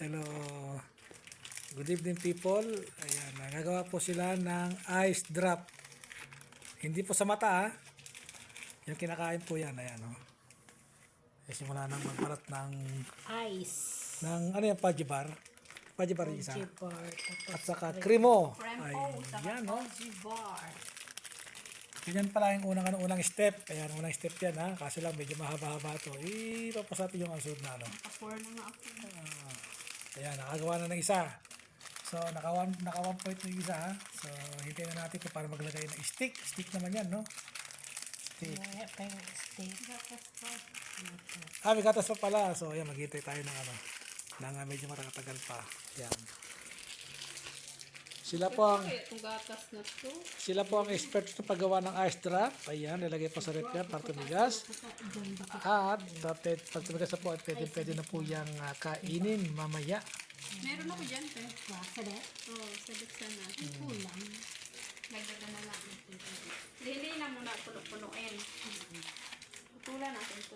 Hello. Good evening people. Ayan, nagagawa po sila ng ice drop. Hindi po sa mata ha. Yung kinakain po yan. Ayan o. Simula nang magbalat ng Ice. ng ano yung fudgy bar. Fudgy bar yung isa. Fudgy bar. At saka kremo. Cremo. Ayan o. Fudgy bar. Ganyan pala yung unang step. Ayan, unang step yan ha. Kasi lang medyo mahaba-haba ito. Ipapasati yung sunod na ano. Naka-4 na nga ako. Ayan, nakagawa na ng isa. So, naka 1 point na yung isa ha. So, hintayin na natin kung para maglagay ng stick. Stick naman yan, no? Stick. May gatas pa pala. So, ayan, maghintay tayo ng ano. Nang medyo matatagal pa. Ayan. Sila po ang expert sa paggawa ng ice drop. Ayan, nilagay po sa rep yan para tumigas. At pag tumigas na po, pwede na po yung kainin mamaya. Meron ako dyan, te. Sadet? Oo, sadet sana. Kulang. Nagdagan na lang. Hindi na muna puno-punuin. Putulan natin ito.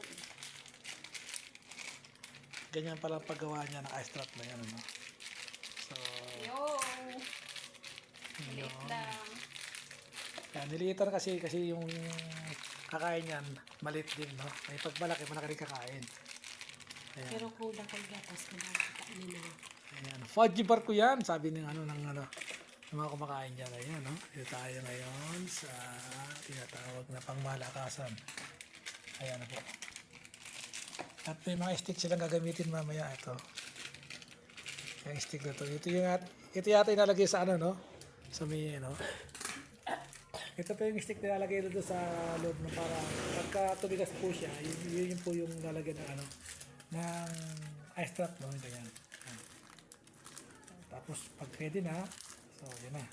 Ganyan pala ang paggawa niya ng ice drop na yan. Ano? So, Maliit lang. yan, niliitan kasi yung kakain yan, maliit din, no? May pagmalaki, malaki rin kakain. Ayan. Pero kulang kay gatas na nakakainin na. Ayan, fudgy bar ko yan, sabi ng mga kumakain dyan. Ayan, no? Dito tayo ngayon sa tinatawag na pangmalakasan. Ayan na po. At may mga stick silang gagamitin mamaya. Ito. Yung stick na to. Ito yata inalagay sa ano, no? Sa may, no? Ito po yung stick na ilalagay doon sa loob na para pagka tumigas po siya, yun po yung lalagyan ng ano, ng ice drop, no? Ito yan. Tapos pag pwede na, so yun na.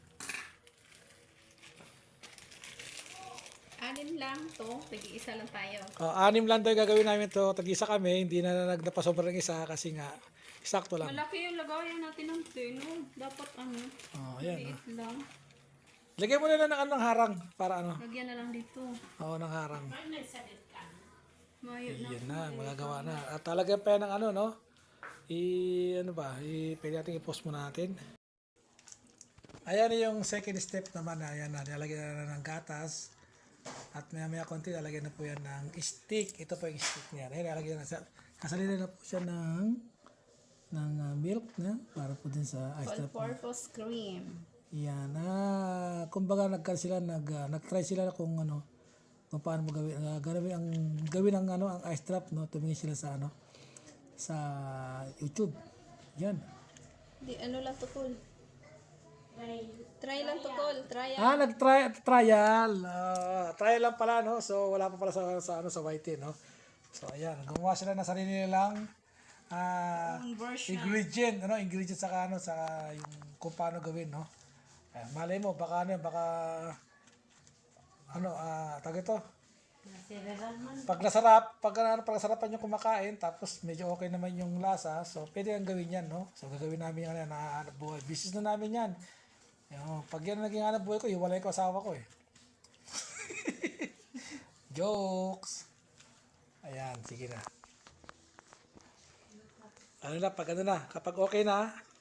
6 lang to, tag-iisa lang tayo. 6 lang tayo gagawin namin to, tag-isa kami, hindi na nagnapasobra ng isa kasi nga, sakto lang. Malaki yung lagayan natin ng tino. Dapat ano, Ayan. maliit lang. Lagyan mo na lang ng harang para ano. Lagyan na lang dito. Oo, ng harang. Mayo na. Yan na, magagawa na. At talagang pa yan ng ano, no? Pwede natin i-post muna natin. Ayan yung second step naman. Ayan na, nilagyan na ng gatas. At maya konti, nalagyan na po yan ng stick. Ito po yung stick niya. Ayan, nalagyan na siya. Kasalina na po siya ng milk na para po din sa ice drop. All-purpose cream. Yan. Kumbaga nag-try sila kung ano, kung paano mo gawin ang ice drop, no? Tumingin sila sa ano, sa YouTube. Yan. Di ano lang to, Tol? Try lang to, Tol. Trial. Trial. Trial lang pala, no? So wala pa pala sa YT, no? So ayan, gumawa sila ng sarili nilang ingredient saka yung kung paano gawin, no? Malay mo baka tawag ito. Pag nasarapan yung kumakain tapos medyo okay naman yung lasa, so pwede ang gawin yan, no? So gagawin namin yan na hanap buhay. Business na namin yan. Pag yan naging hanap buhay ko, hiwalay ko asawa ko eh. Jokes. Ayan, sige na. Kapag okay na,